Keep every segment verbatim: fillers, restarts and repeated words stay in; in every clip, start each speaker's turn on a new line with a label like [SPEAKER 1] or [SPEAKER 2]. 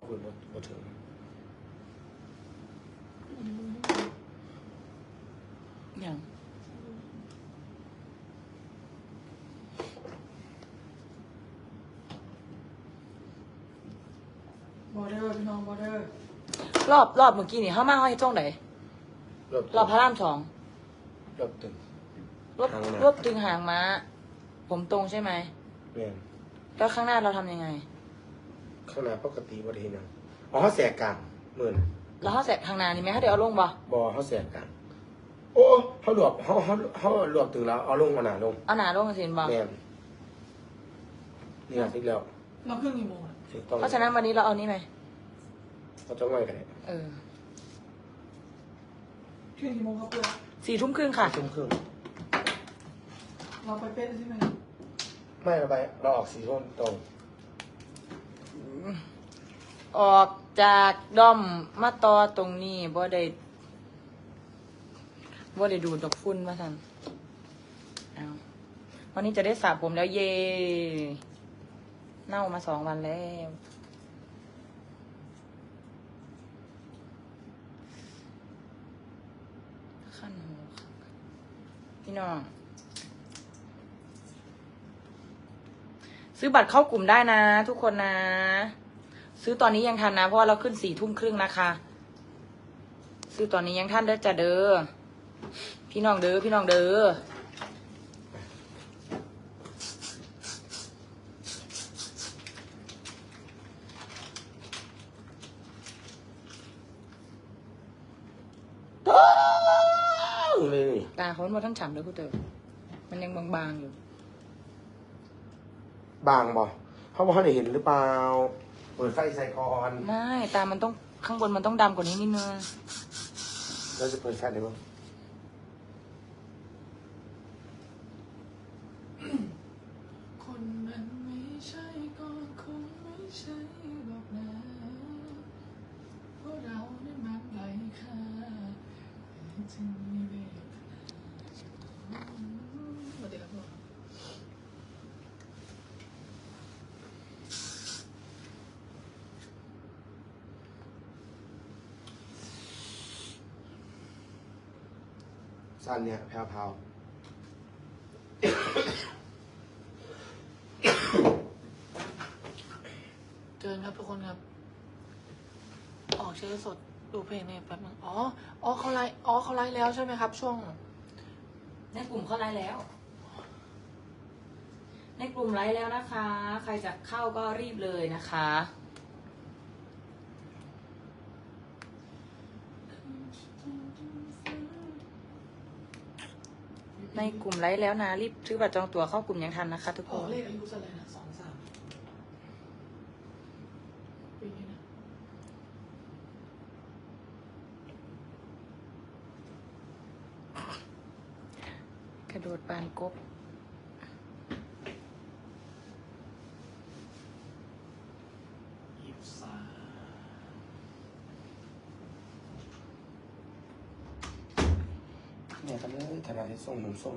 [SPEAKER 1] คุณมาถึง
[SPEAKER 2] อย่าง
[SPEAKER 3] บอเดอร์พี่น้องบอเดอร์
[SPEAKER 2] รอบรอบเมื่อกี้นี่เข้ามาเขาให้จ้องไหนรอบพระรามสอง
[SPEAKER 1] รอบตึง
[SPEAKER 2] รวบรวบตึงหางม้าผมตรงใช่ไหม
[SPEAKER 1] เรียน
[SPEAKER 2] แล้วข้างหน้าเราทำยังไง
[SPEAKER 1] ข้างหน้าปกติบริเวณนั้นอ๋อเขาแสกกลางหมื่น
[SPEAKER 2] แล้วเขาแสกข้างหน้านี่ไหมเขาเดี๋ยวเอาลงบ่
[SPEAKER 1] บอเขาแสกกลางโอ้เขาหลวกเขาเขาเขาหลวกตึงแล้วเอาลงเอาหนาลง
[SPEAKER 2] เอาหนาลงสินบ่
[SPEAKER 1] เรียนนี่ไงที่แล้ว
[SPEAKER 3] เราเครื่องกี่โมง
[SPEAKER 2] เพราะฉะนั้นวันนี้เราเอานี่ไหม
[SPEAKER 1] เขาจ้องไว้กันเลย
[SPEAKER 2] เออ
[SPEAKER 3] เครื่องกี่โมงครับเพื่อน
[SPEAKER 2] สี่ทุ่มครึ่งค่ะ
[SPEAKER 1] ทุ่มครึ่ง
[SPEAKER 3] เราไปเป๊ะใช่ไหม
[SPEAKER 1] ไม่เราไปเราออกสี่ทุ่มตรง
[SPEAKER 2] ออกจากด้อมมาต่อตรงนี้บ่ได้บ่ได้ดูดดอกฝุ่นมาทันเอาวันนี้จะได้สระผมแล้วเย่เน่ามาสองวันแล้วขั้นหัวพี่น้องซื้อบัตรเข้ากลุ่มได้นะทุกคนนะซื้อตอนนี้ยังทันนะเพราะว่าเราขึ้นสี่ทุ่มครึ่งนะคะซื้อตอนนี้ยังทันเด้อจ้ะเด้อพี่น้องเด้อพี่น้องเด้อ
[SPEAKER 1] เลย
[SPEAKER 2] ตาเขามาทั้งฉ่ำเลยคุณเต๋อมันยังบางๆอยู่
[SPEAKER 1] บางบ่เขาบอกเขาได้เห็นหรือเปล่าเปิดไฟใส่ก่อน
[SPEAKER 2] ไม่ตามันต้องข้างบนมันต้องดำกว่านี้นิดนึง
[SPEAKER 1] เราจะเปิดไฟได้บ้าง
[SPEAKER 3] คนมันไม่ใช่ก็คงไม่ใช่หรอกนะเพราะเราได้มันไหลค่าจึงมีเวทมาเดี๋ยวครับ
[SPEAKER 1] สั้นเนี่ยแพรว
[SPEAKER 3] เจอครับทุกคนครับออกเชื้อสดดูเพลงเนี่ยแป๊บนึงอ๋ออ๋อเขาไลฟ์อ๋อเขาไลฟ์แล้วใช่ไหมครับช่วง
[SPEAKER 2] ในกลุ่มเขาไลฟ์แล้วในกลุ่มไลฟ์แล้วนะคะใครจะเข้าก็รีบเลยนะคะในกลุ่มไลฟ์แล้วนะรีบซื้อบัตรจองตั๋วเข้ากลุ่มยังทันนะคะทุกค
[SPEAKER 3] อน เลขอายุอะไรนะสองสามปีนี้นะ
[SPEAKER 2] กระโดดปานกบ
[SPEAKER 3] ยี่สิบสาม
[SPEAKER 1] เนี่ยกันเลยธนาที่ส่งนมส้ม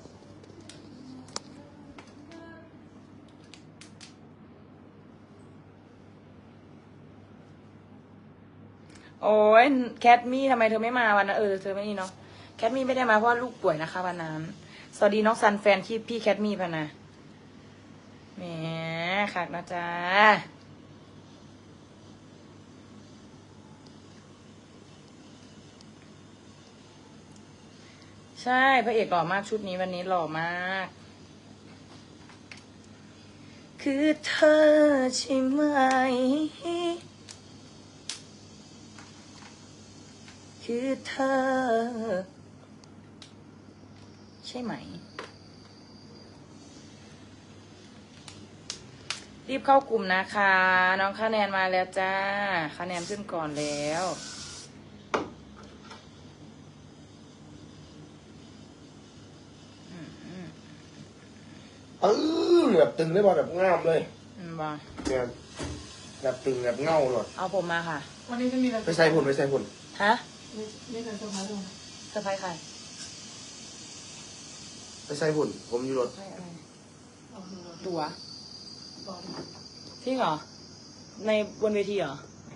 [SPEAKER 2] โอ้ยแคทมี่ทำไมเธอไม่มาวันนั้นเออเธอไม่นี่เนาะแคทมี่ไม่ได้มาเพราะลูกป่วยนะคะวันนั้นสวัสดีน้องซันแฟนที่พี่แคทมี่พะนะแหมคักนะจ๊ะใช่พระเอกหล่อมากชุดนี้วันนี้หล่อมากคือเธอใช่ไหมคือเธอใช่ไหมรีบเข้ากลุ่มนะคะน้องคะแนนมาแล้วจ้าคะแนนขึ้นก่อนแล้ว
[SPEAKER 1] เออแบบตึงได้บอแบบง่ามเลย
[SPEAKER 2] อืมบ่
[SPEAKER 1] เนี่ยแบบตึงแบบเงาหลด
[SPEAKER 2] เอาผมมาค่ะ
[SPEAKER 3] วันนี้จะมีอะไร
[SPEAKER 1] ไปใส่หุ่นไปใส่หุ่น
[SPEAKER 2] ฮะ
[SPEAKER 3] นี่เป็นเซอร์ไพรส์ด้วย
[SPEAKER 2] เซอร์ไพรส์ใคร
[SPEAKER 1] ไปใส่หุ่นผมอยู่รถ
[SPEAKER 2] ตัวจริงเหรอในบนเวทีเหรอ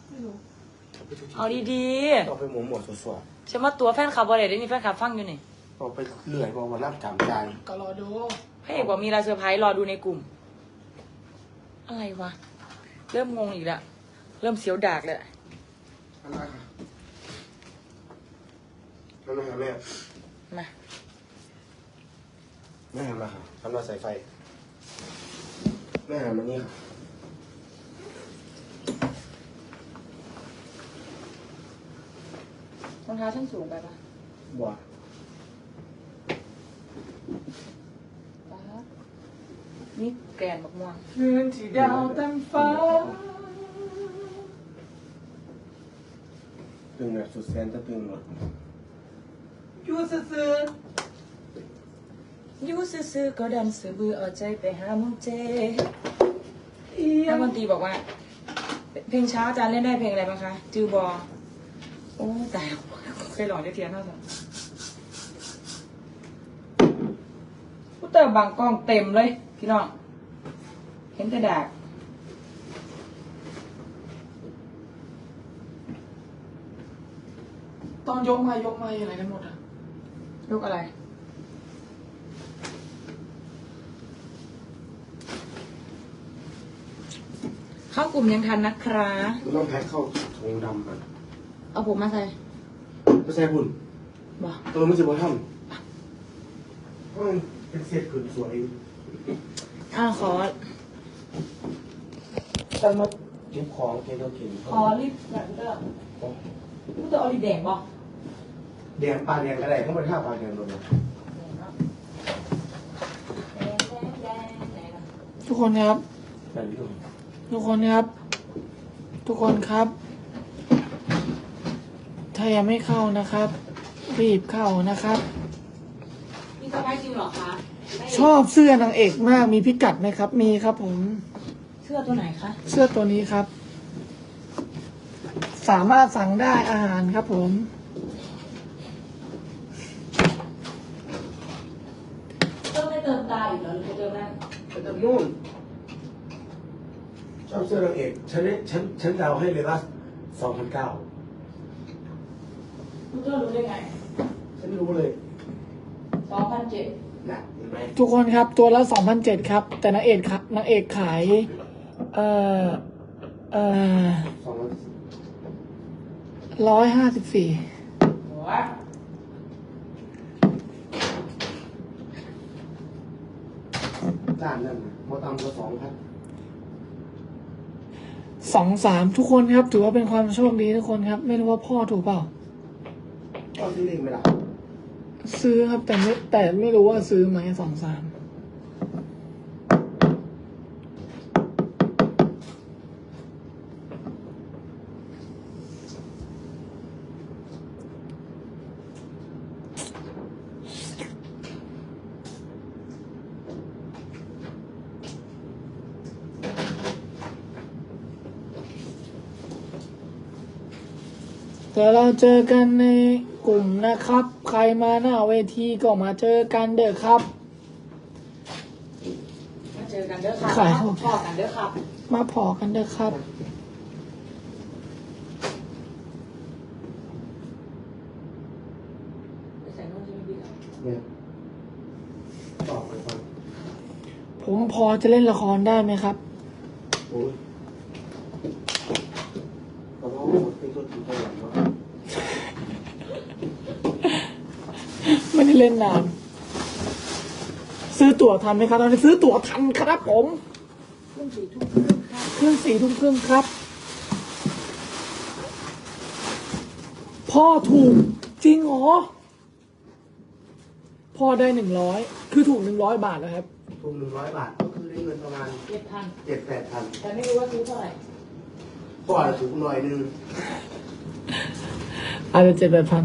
[SPEAKER 3] ไม่รู้
[SPEAKER 2] เอาดี
[SPEAKER 1] เอาไปหมุนหมดสวด
[SPEAKER 2] ๆฉันว่าตัวแฟนคลับอะไรได้นี่แฟนคลับฟังอยู่นี่
[SPEAKER 1] ๆเอาไปเลื่อยบอกว่ารับจำใจ
[SPEAKER 3] ก็รอดู
[SPEAKER 2] พระเอกบอกมีลาเซอร์ไพรส์รอดูในกลุ่ม อะไรวะ เริ่มงงอีกแล้วเริ่มเสียวดากเลย
[SPEAKER 1] อันนั้นค่ะอันนั้นค่ะแม่
[SPEAKER 2] มา
[SPEAKER 1] แม่หันมาค่ะทำเราใส่ไฟแม่หันมานี่ค่ะ
[SPEAKER 2] รองเท้าชั้นสูงไปปะ
[SPEAKER 1] บัว
[SPEAKER 2] ปะนี่แกรนบักม่วง
[SPEAKER 3] คืนที่ดาวเต็มฟ้า
[SPEAKER 1] ตึงแบบสุดแสนจะตึงหมด
[SPEAKER 3] อยู่ซื่อ
[SPEAKER 2] อยู่ซื่อๆก็ดันเสือบือเอาใจไปหาหมุงเจ
[SPEAKER 3] ๆเอีย
[SPEAKER 2] นัก
[SPEAKER 3] ง
[SPEAKER 2] ดนตรีบอกว่า เพลงช้าอาจารย์เล่นได้เพลงอะไรบ้างคะ จือบอ โอ้ตายเคยหลอกได้เทียนเท่าไหร่พูดเตอร์บางกล้องเต็มเลย พี่น้อง เห็นแต่ดาก
[SPEAKER 3] ตอนยกมายกมาอะไรกันหมดอ่ะ
[SPEAKER 2] ลูกอะไร เข้ากลุ่มยังทันนะครับ
[SPEAKER 1] คุณต้องแพ็คเข้าถุงดำก่อน
[SPEAKER 2] เอาผมมาใส่
[SPEAKER 1] ไม่ใช่คุณ
[SPEAKER 2] บ่
[SPEAKER 1] เออไม่ใช่บอทำเพราะมันเป็นเศษผืนสวย
[SPEAKER 2] อ่าขอ
[SPEAKER 1] ตั้งมาเก็บของเก็บตัวกิน
[SPEAKER 2] ขอรีบแบบเตอร์พูดเตอร์เอารีบแดงบ่
[SPEAKER 1] แดงปลาแดงก็ได้เขาไม่ท่าปลาแดงเลยนะ
[SPEAKER 3] ทุกคนครับ
[SPEAKER 1] แบบนี้เลย
[SPEAKER 3] ทุกคนครับ ทุกคนครับ ถ้ายังไม่เข้านะครับ รีบเข้านะครับ
[SPEAKER 2] มีสะพายจริงเหรอคะ
[SPEAKER 3] ชอบเสื้อนางเอกมากมีพิกัดไหมครับ มีครับผม
[SPEAKER 2] เสื้อตัวไหนคะ
[SPEAKER 3] เสื้อตัวนี้ครับ สามารถสั่งได้อาหารครับผม
[SPEAKER 2] ต้องไม่เติมตาอีกเหรอหรือจะเติมนั่น
[SPEAKER 1] ไปเติมนู่นชอบเสื้อนางเอกฉันฉันฉันเดาให้เลยว่าสองพันเก้า
[SPEAKER 2] พูดเตอร์รู้ได้ไง
[SPEAKER 1] ฉันรู้เลย
[SPEAKER 2] สองพันเจ็ด
[SPEAKER 1] นะเห็นไหม
[SPEAKER 3] ทุกคนครับตัวละสองพันเจ็ดครับ แต่นางเอกครับนางเอกขาย เอ่อ เอ่อ
[SPEAKER 1] สองพัน
[SPEAKER 3] ร้อยห้าสิบสี่
[SPEAKER 2] หัว
[SPEAKER 1] ด้านนั่นนะพอตามก็สองพัน
[SPEAKER 3] สองสามทุกคนครับ ถือว่าเป็นความโชคดีทุกคนครับ ไม่รู้ว่าพ่อถูกเปล่า
[SPEAKER 1] ก็ซื้อเองไหมล่ะ
[SPEAKER 3] ซื้อครับแต่ไม่แต่ไม่รู้ว่าซื้อไหมสองสามเดี๋ยวเราเจอกันในกลุ่มนะครับ ใครมาหน้าเวทีก็มาเจอกันเด้อครับ
[SPEAKER 2] มาเจอกันเด้อครับ
[SPEAKER 3] ขาย
[SPEAKER 2] มาพอกันเด้อครับ
[SPEAKER 3] มาพอกันเด้อครับ
[SPEAKER 2] ไปใส่โน่นที่ไม่ดีแล้ว
[SPEAKER 1] เนี่ยตอบไปฟัง
[SPEAKER 3] ผมพอจะเล่นละครได้ไหมครับ
[SPEAKER 1] โอ้ยแต่ว่าเป็นตัวจริงตัวหลังว่า
[SPEAKER 3] ไม่ได้เล่นนาน ซื้อตั๋วทันไหมครับตอนนี้ซื้อตั๋วทันครับผม
[SPEAKER 2] เครื่องสี่ทุ่มครึ่งค่ะ
[SPEAKER 3] เครื่องสี่ทุ่มครึ่งครับ พ่อถูกจริงเหรอ พ่อได้หนึ่งร้อยคือถูกหนึ่งร้อยบาทนะครับ
[SPEAKER 1] ทุนหนึ่งร้อยบาทก็คือได้เงินประมาณ
[SPEAKER 2] เจ็ดพัน
[SPEAKER 1] เจ็ดแปดพัน
[SPEAKER 2] แต่ไม่รู้ว่าซื้อเท่าไหร่
[SPEAKER 1] ก็อาจจะถูกหน่อยนึง
[SPEAKER 3] อาจจะเจ็ดแปดพัน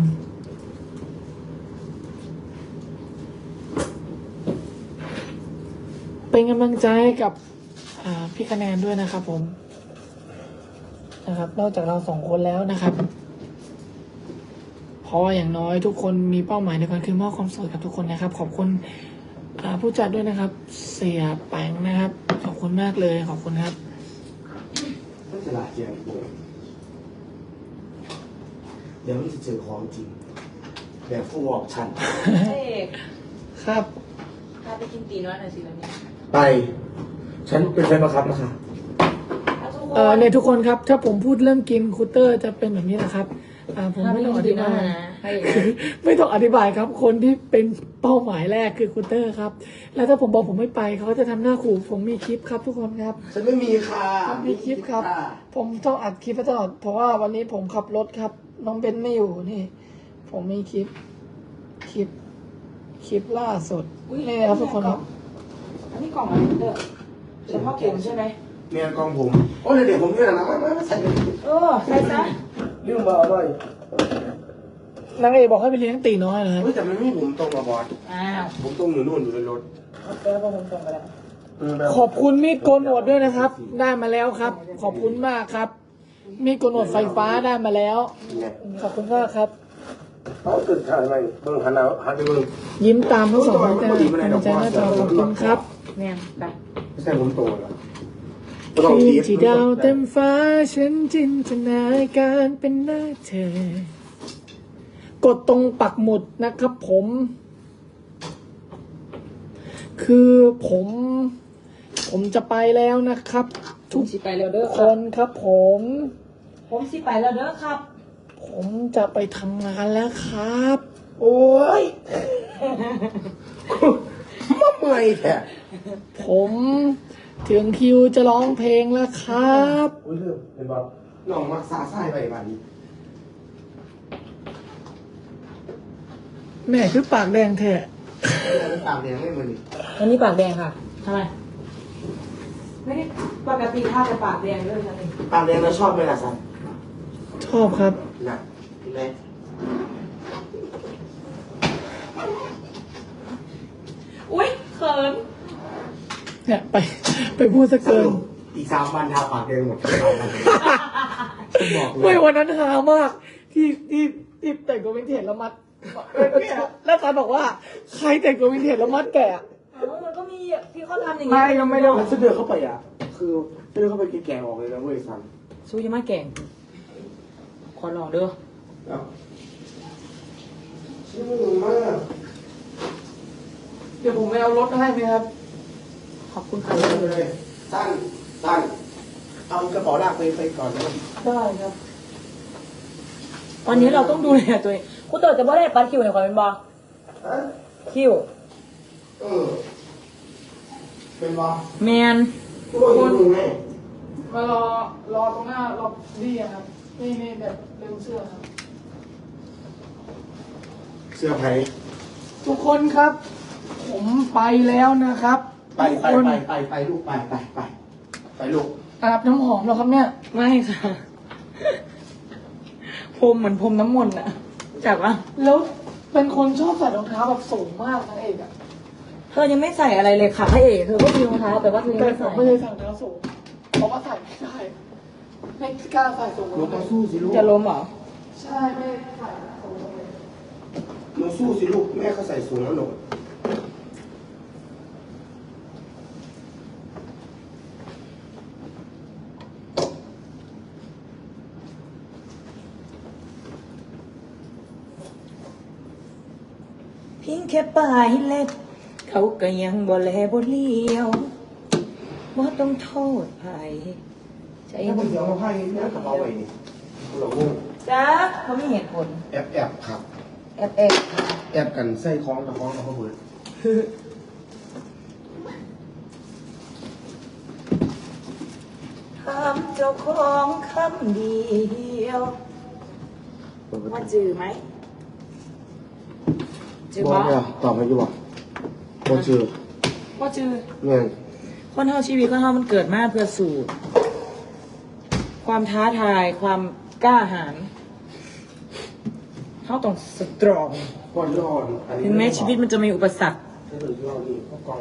[SPEAKER 3] เป็นกำลังใจให้กับอ่าพี่คะแนนด้วยนะครับผมนะครับ นอกจากเราสองคนแล้วนะครับ เพราะว่าอย่างน้อยทุกคนมีเป้าหมายในการคือมอบความสุขกับทุกคนนะครับ ขอบคุณอ่าผู้จัดด้วยนะครับ เสียแปงนะครับ ขอบคุณมากเลยขอบคุณครับ
[SPEAKER 1] ไม่ฉลาดเจียงโบเดี๋ยวมันจะเจอของจริงแบบฟูออกชัน
[SPEAKER 2] เอก
[SPEAKER 3] ครับ
[SPEAKER 2] พาไปกินตีน้อยหน่อยสิแล้วเนี่ย
[SPEAKER 1] ไป ฉันเป็นแฟนบังคับนะคะ
[SPEAKER 2] เอาทุกค
[SPEAKER 3] เอ่อน เนี่ยทุกคนครับ ถ้าผมพูดเรื่องกินคูเตอร์จะเป็นแบบนี้นะครับอ่าผม
[SPEAKER 2] ถ้า
[SPEAKER 3] ไม่
[SPEAKER 2] ไม่
[SPEAKER 3] ต้อง
[SPEAKER 2] กิ
[SPEAKER 3] อน
[SPEAKER 2] ตี
[SPEAKER 3] ธิ
[SPEAKER 2] น้อบ
[SPEAKER 3] าย ย
[SPEAKER 2] นะให้เอก
[SPEAKER 3] ไม่ต้องอธิบายครับ คนที่เป็นเป้าหมายแรกคือคูเตอร์ครับ แล้วถ้าผมบอกผมไม่ไปเขาก็จะทำหน้าขู่ผมมีคลิปครับ ทุกคนครับ
[SPEAKER 1] ฉันไม่มีค่ะ
[SPEAKER 3] มีคลิปครับ ผมต้องอัดคลิปไว้ตลอดเพราะว่าวันนี้ผมขับรถครับ น้องเบนไม่อยู่นี่ ผมมีคลิป คลิป คลิปล่าสุดนี่นะครับทุกคนครับ
[SPEAKER 2] อันนี้กล่องอะไรเด้อเฉพาะผมใช่ไหม
[SPEAKER 1] เมียกองผม โอ้ยเดี๋ยวผมเนี่ยนะไม่ไม่ไม่ใส่เลย
[SPEAKER 2] เออใส่ซะ
[SPEAKER 1] ลืมมาอร่อย
[SPEAKER 3] นางเอกบอกให้ไปเลี้ยงตีน้อยนะครับ
[SPEAKER 1] เฮ้ยแต่มันไม่ผมตรงมาบอส
[SPEAKER 2] อ้าว
[SPEAKER 1] ผมตรงอยู่นู่นอยู่ในรถ
[SPEAKER 2] เออพอผมส่งไปแล้ว
[SPEAKER 3] ขอบคุณมีดโกนหนวดด้วยนะครับ ได้มาแล้วครับ ขอบคุณมากครับ มีดโกนหนวดไฟฟ้าได้มาแล้ว
[SPEAKER 1] เนี่ย
[SPEAKER 3] ขอบคุณมากครับ
[SPEAKER 1] เขาตื่นถ่ายไหมเบิ่งหันเอาหันไปเบิ่ง
[SPEAKER 3] ยิ้มตามทั้งสองคนจ้าใจหน้าจอขอบคุณครับ
[SPEAKER 2] แม่นไป
[SPEAKER 1] ไม่ใช่ผมโตแล้ว
[SPEAKER 3] คืนที่ดาวเต็มฟ้าฉันจินตนาการเป็นหน้าเธอ กดตรงปักหมุดนะครับผม คือผม ผมจะไปแล้วนะครับ
[SPEAKER 2] ทุ
[SPEAKER 3] ทุ
[SPEAKER 2] ก
[SPEAKER 3] ก
[SPEAKER 2] สิไปแล้วเด้อ
[SPEAKER 3] คนครับผม
[SPEAKER 2] ผมสิไปแล้วเด้อครับ
[SPEAKER 3] ผมจะไปทำงานแล้วครับ
[SPEAKER 1] โอ้ยมาเมื่อยแท้
[SPEAKER 3] ผมถึงคิวจะร้องเพลงแล้วครับ
[SPEAKER 1] โอ้ยเรื่องเป็นแบบน้องมักซาไส้ไปบ้านนี้
[SPEAKER 3] แม่คือปากแดงแท้
[SPEAKER 1] เป็นปากแดงไม่เหมือนนี่
[SPEAKER 2] วันนี้ปากแดงค่ะทำไมไม่ได้ปกติถ้าจะปากแดงเลยฉันเอง
[SPEAKER 1] ปากแดงเราชอบไหมล่ะซัน
[SPEAKER 3] ชอบครับ
[SPEAKER 1] น่ะแม่
[SPEAKER 2] อุ้ยเขิน
[SPEAKER 3] เนี่ยไปไปพูดซะ
[SPEAKER 1] ส
[SPEAKER 3] เกิน
[SPEAKER 1] รุปอีกสามวันทาปากแดงหมดทั้งบ้านฉันบอกเล
[SPEAKER 3] ไม่
[SPEAKER 1] ย
[SPEAKER 3] วันนั้นฮามากที่ที่ที่แต่งตัววินเทจแล้วมัดแล้วตาบอกว่าใครแต่งตัววินเทจแล้วมัดแกะ
[SPEAKER 2] เออมันก็มีที่เขาทำอย่าง
[SPEAKER 3] ไม่
[SPEAKER 2] นี้
[SPEAKER 3] ยังไม่ได้
[SPEAKER 1] ฉันเดินเข้าไปอ่ะ คือฉันเดินเข้าไปแก่ๆออกเลยนะเว้ยซัน
[SPEAKER 2] สู้ยังไม่แก่งขอลองเด้อ
[SPEAKER 1] แล้วชื่อมาก
[SPEAKER 3] เดี๋ยวผมไปเอารถให้ไหมครับ
[SPEAKER 2] ขอบคุณค่ะ
[SPEAKER 1] เอาเลยสั้นสั้นเอากระเป๋าลากไปไปก่อนนะ
[SPEAKER 3] ได้ครับ
[SPEAKER 2] วันนี้เราต้องดูแลตัวเองคุณเต๋อจะบ่ได้ปัดคิวในความเป็นบอ
[SPEAKER 1] ฮะ
[SPEAKER 2] คิว
[SPEAKER 1] เออเป็นวะ
[SPEAKER 2] แมน
[SPEAKER 1] ทุกคนอยู่ตรงไหน
[SPEAKER 3] มารอรอตรงหน้าล็อบบี้อะครับนี่นี่แบบเร็วเสื้อครับ
[SPEAKER 1] เสื้อไผ่
[SPEAKER 3] ทุกคนครับ ผมไปแล้วนะครับ
[SPEAKER 1] ไป
[SPEAKER 3] ทุก
[SPEAKER 1] ไป
[SPEAKER 3] คน
[SPEAKER 1] ไปไปไปลูกไปไปไปไปลูก
[SPEAKER 3] อาบน้ำหอมแล้วครับเนี่ย
[SPEAKER 2] ไม่ค่ะพรมเหมือนพรมน้ำมนต์อะจากว่า
[SPEAKER 3] แล้วเป็นคนชอบใส่รองเท้าแบบสูงมากนะเอกอะ
[SPEAKER 2] เธอยังไม่ใส่อะไรเลยค่ะพระเอกเธอก็มีรองเท้าแต่ว่าเธอยัง
[SPEAKER 3] แต่
[SPEAKER 2] ไม่
[SPEAKER 3] ผ
[SPEAKER 2] ใส่
[SPEAKER 3] มไม่ได้ใส่รองเท้าสูงเพราะว่าใส่ไม่ได้ไม่กล้าใส่สูง
[SPEAKER 1] หนูต้องสู้สิลูก
[SPEAKER 2] จะล้มเหรอ
[SPEAKER 3] ใช่ไม่ใส่สูงเลย
[SPEAKER 1] หนูสู้สิลูกแม่เขาใส่สูงแล้วหนู
[SPEAKER 2] เพียงแค่ปลายเล็บเขาก็ยังบ่แลบ่เลี้ยวบ่ต้องโทษใครใจ
[SPEAKER 1] ถ้า
[SPEAKER 2] มั
[SPEAKER 1] มัน นเสียงเราให้แม่กระเป๋าไว้นี่เรางง
[SPEAKER 2] จ้าเขาไม่เหตุผล
[SPEAKER 1] แอบแอบครับ
[SPEAKER 2] แอบแอบ
[SPEAKER 1] แอบกันใส่คล้องกับคล้องกับเขาเบิด
[SPEAKER 2] ถามเจ้าของคำเดียวว่าจือไหมจือ
[SPEAKER 1] บอก
[SPEAKER 2] บ่
[SPEAKER 1] เนี่ยตอบมาอยู่บ่บ่เชื่อ
[SPEAKER 2] ว่าจือ
[SPEAKER 1] เงี้ย
[SPEAKER 2] คนเท่าชีวิตคนเท่ามันเกิดมาเพื่อสู่ความท้าทายความกล้าหาญเขาต้องสตรอง
[SPEAKER 1] ก่อนร้อนอันนี้
[SPEAKER 2] ถึงแม้ชีวิตมันจะมีอุปสรรค
[SPEAKER 1] ถ้าเกิดเรานี่เขากอง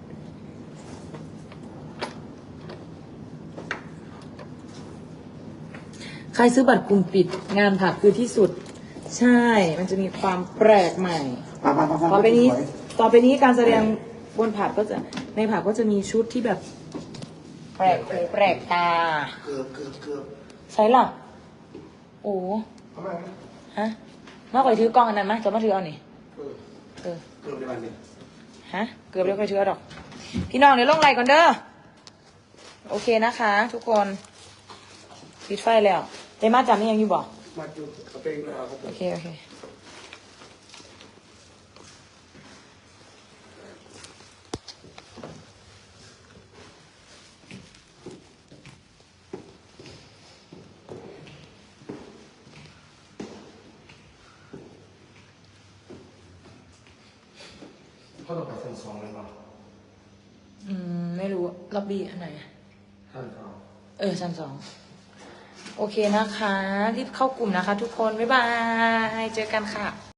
[SPEAKER 2] ใครซื้อบัตรกลุ่มปิดงานผับคือที่สุด ใช่ มันจะมีความแปลกใหม่
[SPEAKER 1] ไปไปไป
[SPEAKER 2] ต่อไปนี้ ต่อไปนี้การแสดงบนผับก็จะในผับก็จะมีชุดที่แบบ แปลกหูแปลกตา
[SPEAKER 1] เกือบเกือบเกือบ
[SPEAKER 2] ใช่หรอโอ้
[SPEAKER 1] ทำไม
[SPEAKER 2] หฮะมาข่อยถือกล้องอันนั้นมาจะมาถือเอานี่
[SPEAKER 1] เออ
[SPEAKER 2] เออ
[SPEAKER 1] เกือบในวันนี้
[SPEAKER 2] ฮะ เกือบเดี๋ยวค่อยถือเอาดอก พี่น้องเดี๋ยวลงไลน์ก่อนเด้อ โอเคนะคะ ทุกคน ปิดไฟแล้วเดมาจำนี่ยังอยู่บอก
[SPEAKER 1] มาดูเอาเพลงเลยเอาครับผ
[SPEAKER 2] โอ
[SPEAKER 1] ม
[SPEAKER 2] เค โอเค
[SPEAKER 1] เขาต้องไปชั้นสองเลยป่ะ
[SPEAKER 2] อืม ไม่รู้ล็อบบี้อันไหนอะ
[SPEAKER 1] ชั้นสอง
[SPEAKER 2] เออชั้นสอง โอเคนะคะ รีบเข้ากลุ่มนะคะทุกคน บ๊ายบาย เจอกันค่ะ